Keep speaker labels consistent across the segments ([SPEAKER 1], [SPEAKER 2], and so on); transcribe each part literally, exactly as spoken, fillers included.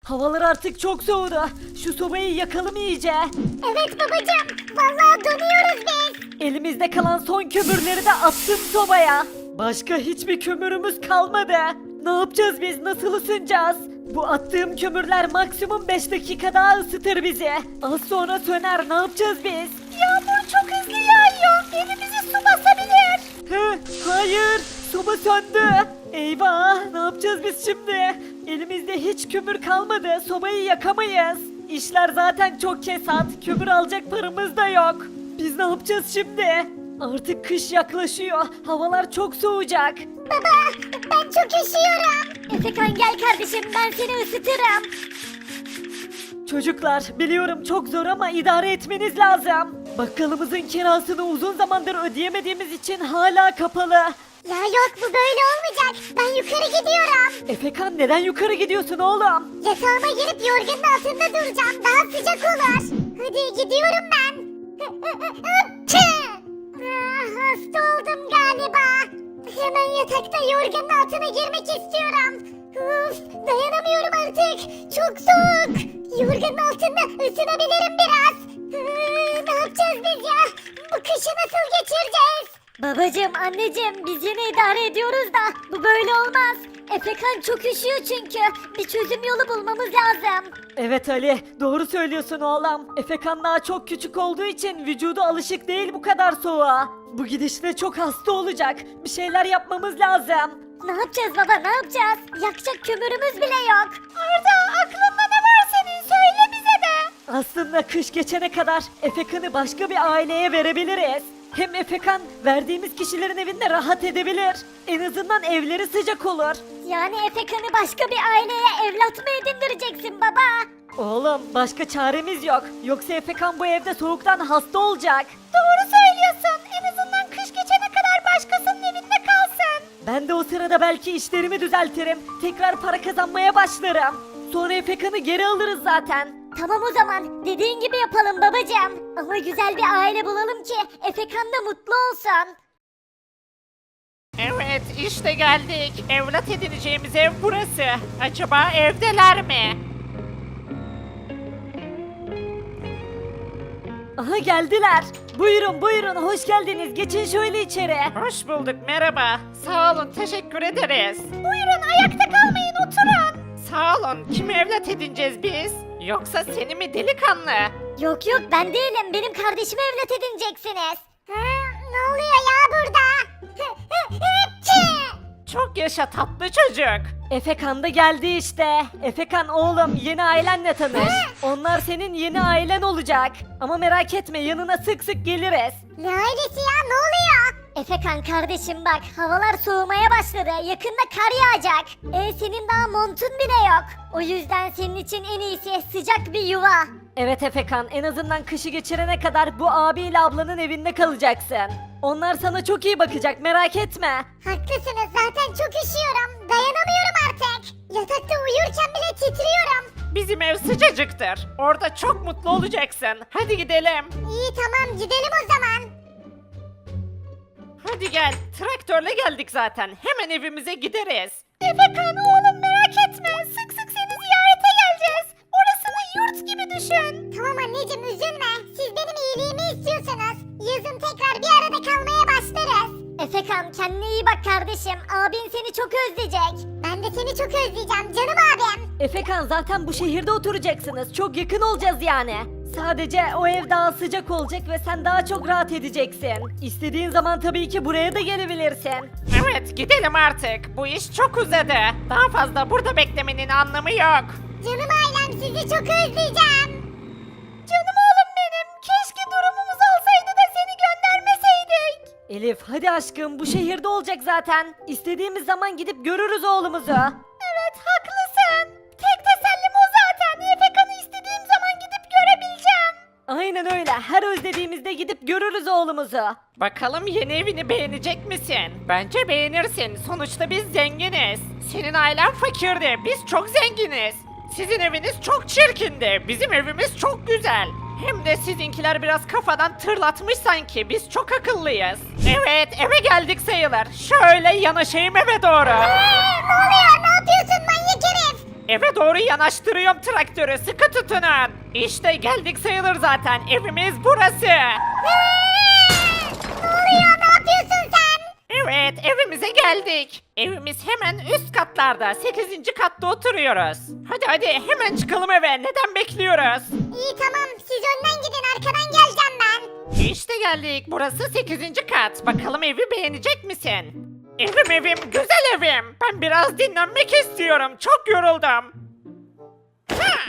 [SPEAKER 1] Havalar artık çok soğudu. Şu sobayı yakalım iyice.
[SPEAKER 2] Evet babacığım. Vallahi donuyoruz biz.
[SPEAKER 1] Elimizde kalan son kömürleri de attım sobaya. Başka hiçbir kömürümüz kalmadı. Ne yapacağız biz? Nasıl ısınacağız? Bu attığım kömürler maksimum beş dakika daha ısıtır bizi. Az sonra söner. Ne yapacağız biz?
[SPEAKER 2] Yağmur çok hızlı yağıyor. Evimizi su basabilir.
[SPEAKER 1] Hı, hayır. Soba söndü. Eyvah. Ne yapacağız biz şimdi? Elimizde hiç kömür kalmadı. Sobayı yakamayız. İşler zaten çok kesat. Kömür alacak paramız da yok. Biz ne yapacağız şimdi? Artık kış yaklaşıyor. Havalar çok soğuyacak.
[SPEAKER 2] Baba ben çok üşüyorum. Efekan gel kardeşim ben seni ısıtırım.
[SPEAKER 1] Çocuklar biliyorum çok zor ama idare etmeniz lazım. Bakkalımızın kirasını uzun zamandır ödeyemediğimiz için hala kapalı.
[SPEAKER 2] Ya yok bu böyle olmayacak. Ben yukarı gidiyorum.
[SPEAKER 1] Efekan neden yukarı gidiyorsun oğlum?
[SPEAKER 2] Yatağıma girip yorganın altında duracağım. Daha sıcak olur. Hadi gidiyorum ben. Ah, hasta oldum galiba. Hemen yatakta yorganın altına girmek istiyorum. Uf, dayanamıyorum artık. Çok soğuk. Yorganın altında ısınabilirim biraz. Hı, ne yapacağız biz ya? Bu kışı nasıl geçireceğiz? Babacım, anneciğim biz yine idare ediyoruz da bu böyle olmaz. Efekan çok üşüyor çünkü. Bir çözüm yolu bulmamız lazım.
[SPEAKER 1] Evet Ali doğru söylüyorsun oğlum. Efekan daha çok küçük olduğu için vücudu alışık değil bu kadar soğuğa. Bu gidişle çok hasta olacak. Bir şeyler yapmamız lazım.
[SPEAKER 2] Ne yapacağız baba ne yapacağız? Yakacak kömürümüz bile yok. Arda aklında ne var senin söyle bize de.
[SPEAKER 1] Aslında kış geçene kadar Efekan'ı başka bir aileye verebiliriz. Hem Efekan verdiğimiz kişilerin evinde rahat edebilir. En azından evleri sıcak olur.
[SPEAKER 2] Yani Efekan'ı başka bir aileye evlat mı edindireceksin baba?
[SPEAKER 1] Oğlum başka çaremiz yok. Yoksa Efekan bu evde soğuktan hasta olacak.
[SPEAKER 2] Doğru söylüyorsun. En azından kış geçene kadar başkasının evinde kalsın.
[SPEAKER 1] Ben de o sırada belki işlerimi düzeltirim. Tekrar para kazanmaya başlarım. Sonra Efekan'ı geri alırız zaten.
[SPEAKER 2] Tamam o zaman dediğin gibi yapalım babacığım. Ama güzel bir aile bulalım ki Efekan da mutlu olsun.
[SPEAKER 3] Evet işte geldik. Evlat edineceğimiz ev burası. Acaba evdeler mi?
[SPEAKER 1] Aha geldiler. Buyurun buyurun hoş geldiniz. Geçin şöyle içeri.
[SPEAKER 3] Hoş bulduk merhaba. Sağ olun teşekkür ederiz.
[SPEAKER 2] Buyurun ayakta kalmayın oturun.
[SPEAKER 3] Sağ olun kimi evlat edineceğiz biz? Yoksa seni mi delikanlı?
[SPEAKER 2] Yok yok ben değilim benim kardeşimi evlat edineceksiniz. Ha, ne oluyor ya burada?
[SPEAKER 3] Çok yaşa tatlı çocuk.
[SPEAKER 1] Efekan da geldi işte. Efekan oğlum yeni ailenle tanış. Onlar senin yeni ailen olacak. Ama merak etme yanına sık sık geliriz.
[SPEAKER 2] Ne ailesi ya ne oluyor? Efekan kardeşim bak havalar soğumaya başladı yakında kar yağacak. E senin daha montun bile yok. O yüzden senin için en iyisi sıcak bir yuva.
[SPEAKER 1] Evet Efekan en azından kışı geçirene kadar bu abiyle ablanın evinde kalacaksın. Onlar sana çok iyi bakacak merak etme.
[SPEAKER 2] Haklısınız zaten çok üşüyorum dayanamıyorum artık. Yatakta uyurken bile titriyorum.
[SPEAKER 3] Bizim ev sıcacıktır. Orada çok mutlu olacaksın. Hadi gidelim.
[SPEAKER 2] İyi tamam gidelim o zaman.
[SPEAKER 3] Hadi gel. Traktörle geldik zaten. Hemen evimize gideriz.
[SPEAKER 2] Efekan oğlum merak etme sık sık seni ziyarete geleceğiz. Orasını yurt gibi düşün. Tamam anneciğim üzülme. Siz benim iyiliğimi istiyorsunuz. Yazın tekrar bir arada kalmaya başlarız. Efekan kendine iyi bak kardeşim. Abin seni çok özleyecek. Ben de seni çok özleyeceğim canım abim.
[SPEAKER 1] Efekan zaten bu şehirde oturacaksınız. Çok yakın olacağız yani. Sadece o ev daha sıcak olacak ve sen daha çok rahat edeceksin. İstediğin zaman tabii ki buraya da gelebilirsin.
[SPEAKER 3] Evet gidelim artık. Bu iş çok uzadı. Daha fazla burada beklemenin anlamı yok.
[SPEAKER 2] Canım ailem sizi çok özleyeceğim. Canım oğlum benim. Keşke durumumuz olsaydı da seni göndermeseydik.
[SPEAKER 1] Elif hadi aşkım bu şehirde olacak zaten. İstediğimiz zaman gidip görürüz oğlumuzu.
[SPEAKER 2] Evet haklısın. Tek tesellim o zaten. Efekan'ı istediğim zaman gidip görebileceğim.
[SPEAKER 1] Aynen öyle. Her özlediğimizde gidip görürüz oğlumuzu.
[SPEAKER 3] Bakalım yeni evini beğenecek misin? Bence beğenirsin. Sonuçta biz zenginiz. Senin ailen fakirdi. Biz çok zenginiz. Sizin eviniz çok çirkindi. Bizim evimiz çok güzel. Hem de sizinkiler biraz kafadan tırlatmış sanki. Biz çok akıllıyız. Evet eve geldik sayılır. Şöyle yanaşayım eve doğru.
[SPEAKER 2] Ee, ne oluyor? Ne yapıyorsun manyak herif?
[SPEAKER 3] Eve doğru yanaştırıyorum traktörü, sıkı tutunun. İşte geldik sayılır zaten, evimiz burası.
[SPEAKER 2] Ne oluyor? Ne yapıyorsun sen?
[SPEAKER 3] Evet, evimize geldik. Evimiz hemen üst katlarda, sekizinci katta oturuyoruz. Hadi hadi hemen çıkalım eve, neden bekliyoruz?
[SPEAKER 2] İyi tamam siz önden gidin arkadan geleceğim ben.
[SPEAKER 3] İşte geldik, burası sekizinci kat. Bakalım evi beğenecek misin? Evim evim, güzel evim. Ben biraz dinlenmek istiyorum, çok yoruldum. Ha!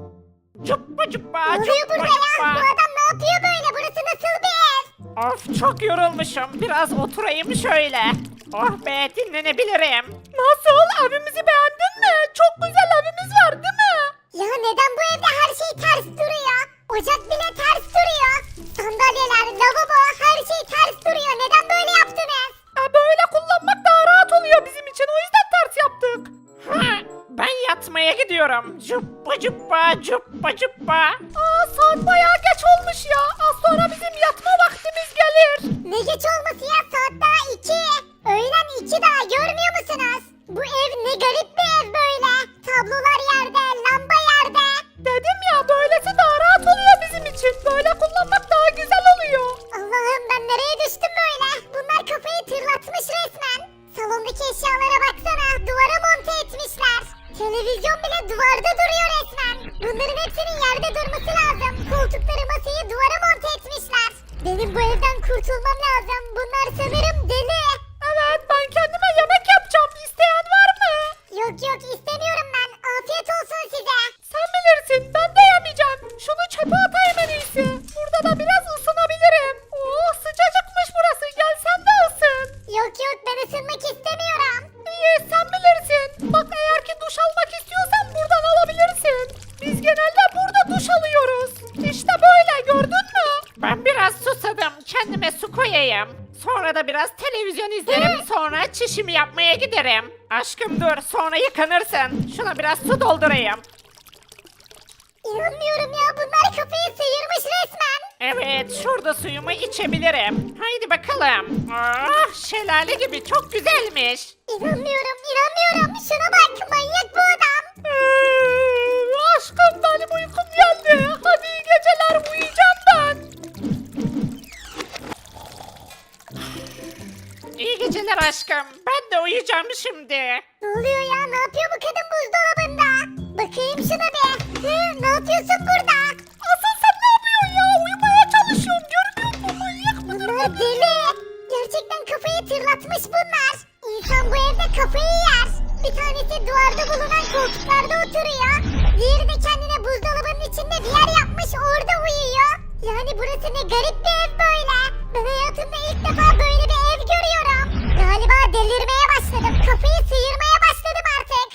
[SPEAKER 3] Cuppa cuppa,
[SPEAKER 2] Ne oluyor
[SPEAKER 3] cuppa
[SPEAKER 2] burada ya? Bu
[SPEAKER 3] cuppa.
[SPEAKER 2] adam ne yapıyor böyle? Burası nasıl bir ev?
[SPEAKER 3] Of, çok yorulmuşum. Biraz oturayım şöyle. Oh be, dinlenebilirim. Nasıl? Evimizi beğendin mi? Çok güzel evimiz var değil mi?
[SPEAKER 2] Ya neden bu evde her şey ters duruyor? Ocak bile ters duruyor. Sandalyeler, lavabo her şey ters duruyor. Neden böyle yaptınız?
[SPEAKER 3] E, böyle kullanmak daha rahat oluyor bizim için. O yüzden ters yaptık. Ha, ben yatmaya gidiyorum. Cuppa cuppa, cuppa cuppa. Aa, saat bayağı geç olmuş ya. Az sonra bizim yatma vaktimiz gelir.
[SPEAKER 2] Ne geç olması ya saat daha iki. Öğlen iki daha görmüyor musunuz? Bu ev ne garip bir ev böyle. Tablolar yerde, lamba yerde.
[SPEAKER 3] Dedim ya, böylesi daha rahat oluyor bizim için. Böyle kullanmak daha güzel oluyor.
[SPEAKER 2] Allah'ım ben nereye düştüm böyle? Bunlar kafayı tırlatmış resmen. Salondaki eşyalara baksana duvara monte etmişler. Televizyon bile duvarda duruyor resmen. Bunların hepsinin yerde durması lazım. Koltukları masayı duvara monte etmişler. Benim bu evden kurtulmam lazım. Bunlar sanırım deli.
[SPEAKER 3] Evet, ben kendime yemek yapacağım. İsteyen var mı?
[SPEAKER 2] Yok yok istemiyorum ben. Afiyet olsun size.
[SPEAKER 3] Sen bilirsin, ben de yemeyeceğim. Şunu çöpe atayım en iyisi. Burada da biraz ısınabilirim. Oh, sıcacıkmış burası. Gel sen de ısın.
[SPEAKER 2] Yok yok ben ısınmak istemiyorum.
[SPEAKER 3] İyi, sen bilirsin. Bak, eğer ki duş almak istiyorsan buradan alabilirsin. Biz genelde burada duş alıyoruz. İşte böyle, gördün mü? Ben biraz susadım. Kendime su koyayım. Sonra da biraz televizyon izlerim. Sonra çişimi yapmaya giderim. Aşkım dur, sonra yıkanırsın. Şuna biraz su doldurayım.
[SPEAKER 2] İnanmıyorum ya bunlar kafayı sıyırmış resmen.
[SPEAKER 3] Evet, şurada suyumu içebilirim. Haydi bakalım. Ah, şelale gibi, çok güzelmiş.
[SPEAKER 2] İnanmıyorum inanmıyorum. Şuna bak manyak bu adam.
[SPEAKER 3] Ee, aşkım, benim uykum geldi. Hadi iyi geceler, uyuyacağım ben. İyi geceler aşkım. Ben de uyuyacağım şimdi.
[SPEAKER 2] Ne oluyor ya ne yapıyor bu kadın buzdolabında? Bakayım şuna bir. Hı, ne yapıyorsun burada?
[SPEAKER 3] Asıl sen ne yapıyorsun ya? Uyumaya çalışıyorum. Görmüyor musun? Manyak mıdır?
[SPEAKER 2] Bunlar deli. Gerçekten kafayı tırlatmış bunlar. İnsan bu evde kafayı yer. Bir tanesi duvarda bulunan koltuklarda oturuyor. Diğeri de kendine buzdolabının içinde bir yer yapmış orada uyuyor. Yani burası ne garip bir ev böyle. Ben hayatımda ilk defa böyle bir ev görüyorum. Galiba delirmeye başladım. Kafayı sıyırmaya başladım artık.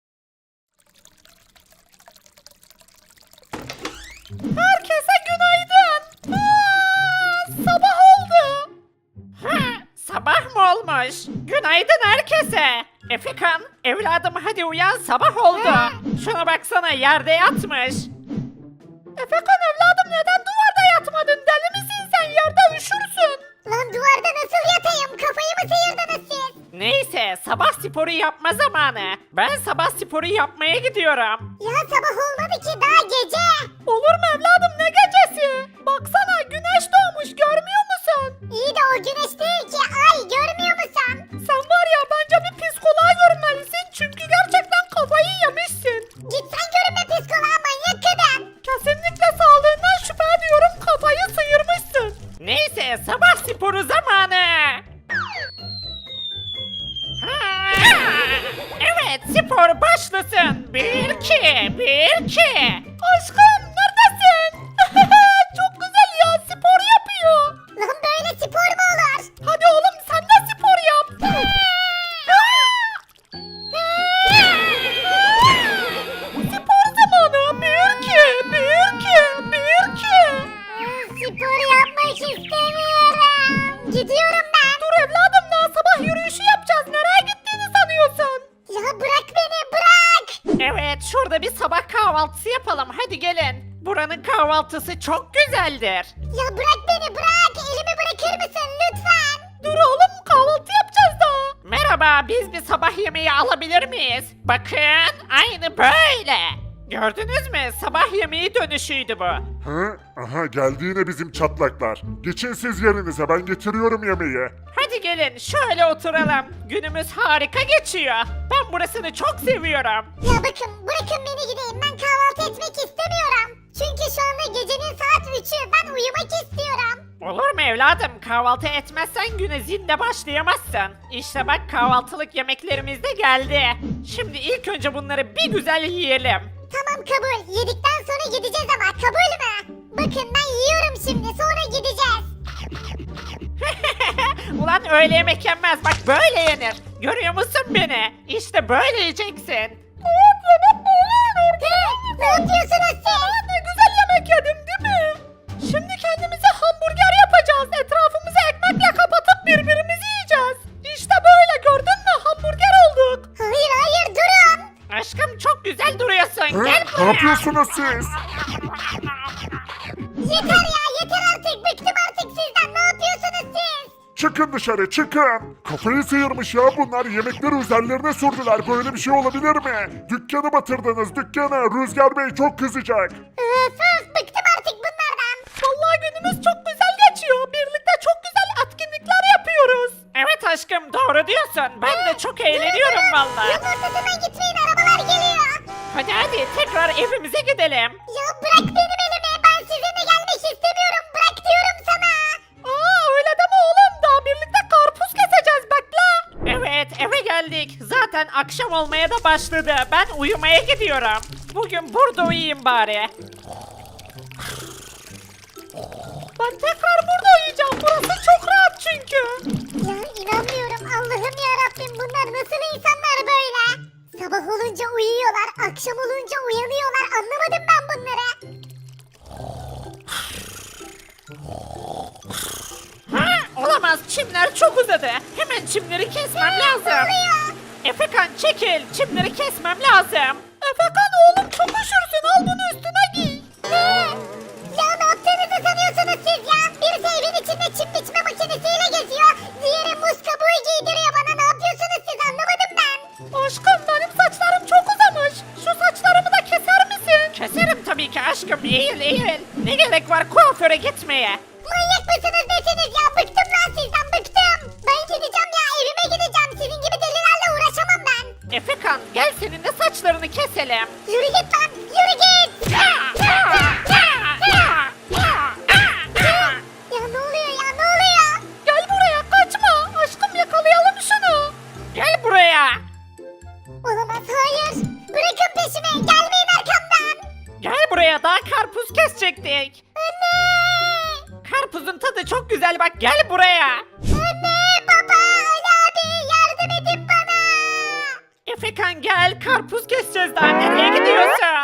[SPEAKER 3] Herkese günaydın. Aa, sabah oldu. Ha, sabah mı olmuş? Günaydın herkese. Efekan, evladım hadi uyan, sabah oldu. Şuna baksana, yerde yatmış. Efekan evladım, neden duvarda yatmadın? Deli misin sen? Yerde üşürsün.
[SPEAKER 2] Lan duvarda nasıl yatayım? Kafayı mı sıyırdınız siz?
[SPEAKER 3] Neyse, sabah sporu yapma zamanı. Ben sabah sporu yapmaya gidiyorum.
[SPEAKER 2] Ya sabah olmadı ki daha gece.
[SPEAKER 3] Olur mu evladım, ne gecesi? Baksana, güneş doğmuş, görmüyor musun?
[SPEAKER 2] İyi de o güneş değil ki ay görmüyor musun?
[SPEAKER 3] Sen var ya, bence bir psikoloğa görünmelisin. Çünkü gerçekten kafayı yemişsin.
[SPEAKER 2] Git sen görünme psikoloğa manyak kadın.
[SPEAKER 3] Kesinlikle sağlığından şüphe ediyorum, kafayı sıyırmışsın. Neyse, sabah sporu zamanı. Ha, evet, spor başlasın. Bir iki, bir iki. Aşkım neredesin? Çok güzel ya, spor yapıyor.
[SPEAKER 2] Lan böyle spor mu olur?
[SPEAKER 3] Hadi oğlum, sen de spor yap. Spor zamanı. Bir iki, bir iki, bir iki.
[SPEAKER 2] Spor yapmak istemiyorum. Gidiyorum ben.
[SPEAKER 3] Dur evladım, daha sabah yürüyüşü yapacağız. Nereye gittiğini sanıyorsun?
[SPEAKER 2] Ya bırak beni bırak.
[SPEAKER 3] Evet, şurada bir sabah kahvaltısı yapalım. Hadi gelin. Buranın kahvaltısı çok güzeldir.
[SPEAKER 2] Ya bırak beni bırak. Elimi bırakır mısın lütfen?
[SPEAKER 3] Dur oğlum, kahvaltı yapacağız daha. Merhaba, biz bir sabah yemeği alabilir miyiz? Bakın, aynı böyle. Gördünüz mü? Sabah yemeği dönüşüydü bu.
[SPEAKER 4] Hı? Aha geldi yine bizim çatlaklar. Geçin siz yerinize ben getiriyorum yemeği.
[SPEAKER 3] Hadi gelin, şöyle oturalım. Günümüz harika geçiyor. Ben burasını çok seviyorum.
[SPEAKER 2] Ya bakın bırakın beni gideyim ben kahvaltı etmek istemiyorum. Çünkü şu anda gecenin saat üçü ben uyumak istiyorum.
[SPEAKER 3] Olur mu evladım? Kahvaltı etmezsen güne zinde başlayamazsın. İşte bak kahvaltılık yemeklerimiz de geldi. Şimdi ilk önce bunları bir güzel yiyelim.
[SPEAKER 2] Tamam kabul yedikten sonra gideceğiz ama kabul mü? Bakın ben yiyorum şimdi sonra gideceğiz.
[SPEAKER 3] Ulan öyle yemek yenmez. Bak böyle yenir. Görüyor musun beni? İşte böyle yiyeceksin.
[SPEAKER 2] Evet yemek böyle yenir. Ne yapıyorsunuz siz?
[SPEAKER 3] Ne güzel yemek yedim değil mi? Şimdi kendimize hamburger yapacağız. Etrafımızı ekmekle kapatıp birbirimizi yiyeceğiz. İşte böyle gördün mü? Hamburger olduk.
[SPEAKER 2] Hayır hayır durun.
[SPEAKER 3] Aşkım çok güzel duruyorsun.
[SPEAKER 4] Hı?
[SPEAKER 3] Gel
[SPEAKER 4] Ne
[SPEAKER 3] buraya.
[SPEAKER 4] yapıyorsunuz siz?
[SPEAKER 2] Yeter ya yeter artık bıktım artık sizden ne yapıyorsunuz siz?
[SPEAKER 4] Çıkın dışarı çıkın. Kafayı sıyırmış ya bunlar yemekleri üzerlerine sürdüler. Böyle bir şey olabilir mi? Dükkanı batırdınız dükkanı. Rüzgar Bey çok kızacak.
[SPEAKER 2] Öf öf bıktım artık bunlardan.
[SPEAKER 3] Vallahi günümüz çok güzel geçiyor. Birlikte çok güzel etkinlikler yapıyoruz. Evet aşkım doğru diyorsun. Ben de çok eğleniyorum vallahi.
[SPEAKER 2] Yolun ortasından gitmeyin arabalar geliyor.
[SPEAKER 3] Hadi hadi tekrar evimize gidelim.
[SPEAKER 2] Ya bırak benim elimi ben sizinle gelmek istemiyorum bırak diyorum sana.
[SPEAKER 3] Aa öyle deme oğlum. Daha birlikte karpuz keseceğiz bekle. Evet eve geldik. Zaten akşam olmaya da başladı. Ben uyumaya gidiyorum. Bugün burada uyuyayım bari. Ben tekrar burada uyuyacağım. Burası çok rahat çünkü.
[SPEAKER 2] Ya inanmıyorum Allah'ım ya Rabbim bunlar nasıl insanlar böyle? Sabah olunca uyuyorlar akşam olunca uyanıyorlar anlamadım ben bunları.
[SPEAKER 3] Ha, olamaz çimler çok uzadı. Hemen çimleri kesmem lazım. Efekan çekil çimleri kesmem lazım. Efekan oğlum çok üşürsün al bunu üstüne giy.
[SPEAKER 2] Ne? Ya ne yaptığınızı sanıyorsunuz siz ya? Birisi evin içinde çim biçme makinesiyle geziyor. Diğeri muz kabuğu giydiriyor bana. Ne yapıyorsunuz siz anlamadım ben.
[SPEAKER 3] Aşkım benim saçlarım çok uzamış. Şu saçlarımı da keser misin? Keserim tabii ki aşkım eğil eğil. Ne gerek var kuaföre gitmeye?
[SPEAKER 2] Manyak mısınız deseniz ya? Bıktım lan sizden bıktım. Ben gideceğim ya evime gideceğim. Sizin gibi delilerle uğraşamam ben.
[SPEAKER 3] Efekan gel seninle saçlarını keselim.
[SPEAKER 2] Yürü git lan yürü git. Ya ne oluyor ya ne oluyor?
[SPEAKER 3] Gel buraya kaçma. Aşkım yakalayalım şunu. Gel buraya.
[SPEAKER 2] Olamaz hayır. Bırakın peşimi gelmeyin arkamdan.
[SPEAKER 3] Gel buraya daha karpuz kesecektik.
[SPEAKER 2] Anne.
[SPEAKER 3] Karpuzun tadı çok güzel bak gel buraya.
[SPEAKER 2] Anne baba Ali abi yardım edin bana.
[SPEAKER 3] Efekan gel karpuz keseceğiz daha nereye gidiyorsun?